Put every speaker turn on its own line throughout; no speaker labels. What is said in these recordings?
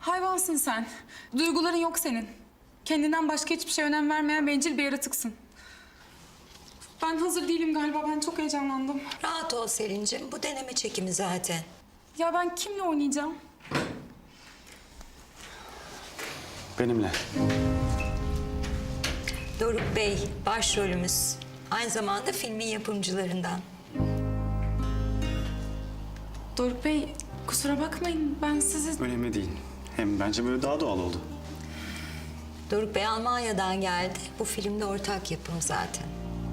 Hayvansın sen. Duyguların yok senin. Kendinden başka hiçbir şeye önem vermeyen bencil bir yaratıksın. Ben hazır değilim galiba. Ben çok heyecanlandım.
Rahat ol Selin'cim. Bu deneme çekimi zaten.
Ya ben kimle oynayacağım?
Benimle.
Doruk Bey başrolümüz. Aynı zamanda filmin yapımcılarından.
Doruk Bey, kusura bakmayın. Ben sizi...
Önemli değil. Hem bence böyle daha doğal oldu.
Doruk Bey Almanya'dan geldi. Bu filmde ortak yapım zaten.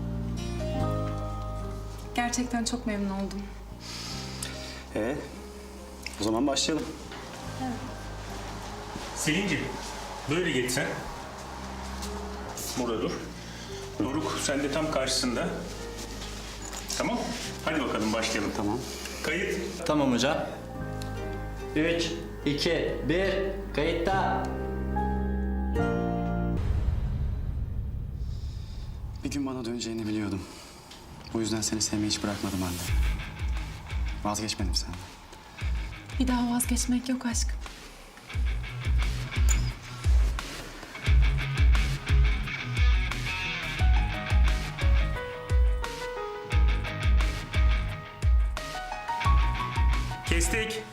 Gerçekten çok memnun oldum.
O zaman başlayalım.
Selin'ciğim, böyle geç sen. Burada dur. Doruk, sen de tam karşısında. Tamam. Hadi bakalım başlayalım.
Tamam.
Kayıt.
Tamam hocam. 3, 2, 1, kayıtta.
Bir gün bana döneceğini biliyordum. O yüzden seni sevmeyi hiç bırakmadım anne. Vazgeçmedim senden.
Bir daha vazgeçmek yok aşkım.
Kestik.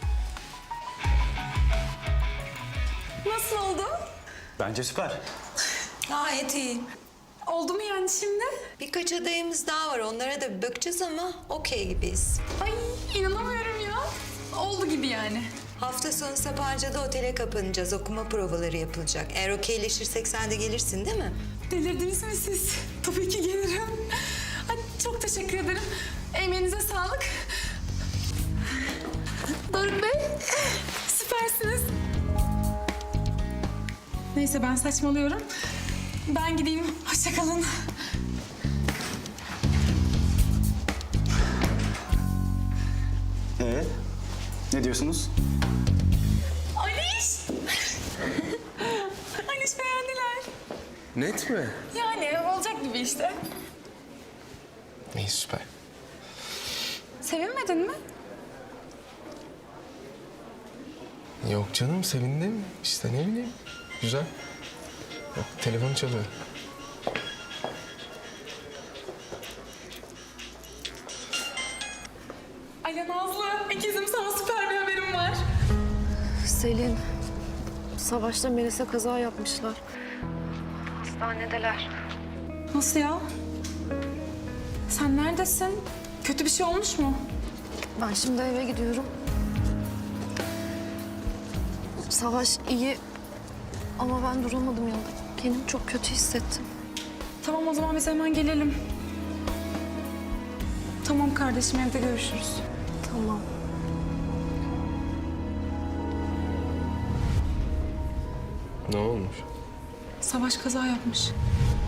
Nasıl oldu?
Bence süper.
Gayet iyi.
Oldu mu yani şimdi?
Birkaç adayımız daha var. Onlara da bir bakacağız ama okey gibiyiz.
Ay inanamıyorum ya. Oldu gibi yani.
Hafta sonu Sapanca'da otele kapanacağız. Okuma provaları yapılacak. Eğer okeyleşirsek sen de gelirsin değil mi?
Delirdiniz mi siz? Tabii ki gelirim. Ay, çok teşekkür ederim. Emeğinize sağlık. Doruk Bey, süpersiniz. Neyse ben saçmalıyorum. Ben gideyim. Hoşça kalın.
Ne diyorsunuz?
Aliş! Aliş beğendiler.
Net mi?
Yani olacak gibi işte.
İyi süper.
Sevinmedin mi?
Yok canım sevindim. İşte ne bileyim. Güzel. Bak telefon çalıyor.
Alo Nazlı, ikizim sana süper bir haberim var.
Selin, Savaş'la Melis'e kaza yapmışlar. Hastanedeler.
Nasıl ya? Sen neredesin? Kötü bir şey olmuş mu?
Ben şimdi eve gidiyorum. Savaş iyi ama ben duramadım yanında. Kendimi çok kötü hissettim.
Tamam o zaman biz hemen gelelim. Tamam kardeşim evde görüşürüz.
Tamam.
Ne olmuş?
Savaş kaza yapmış.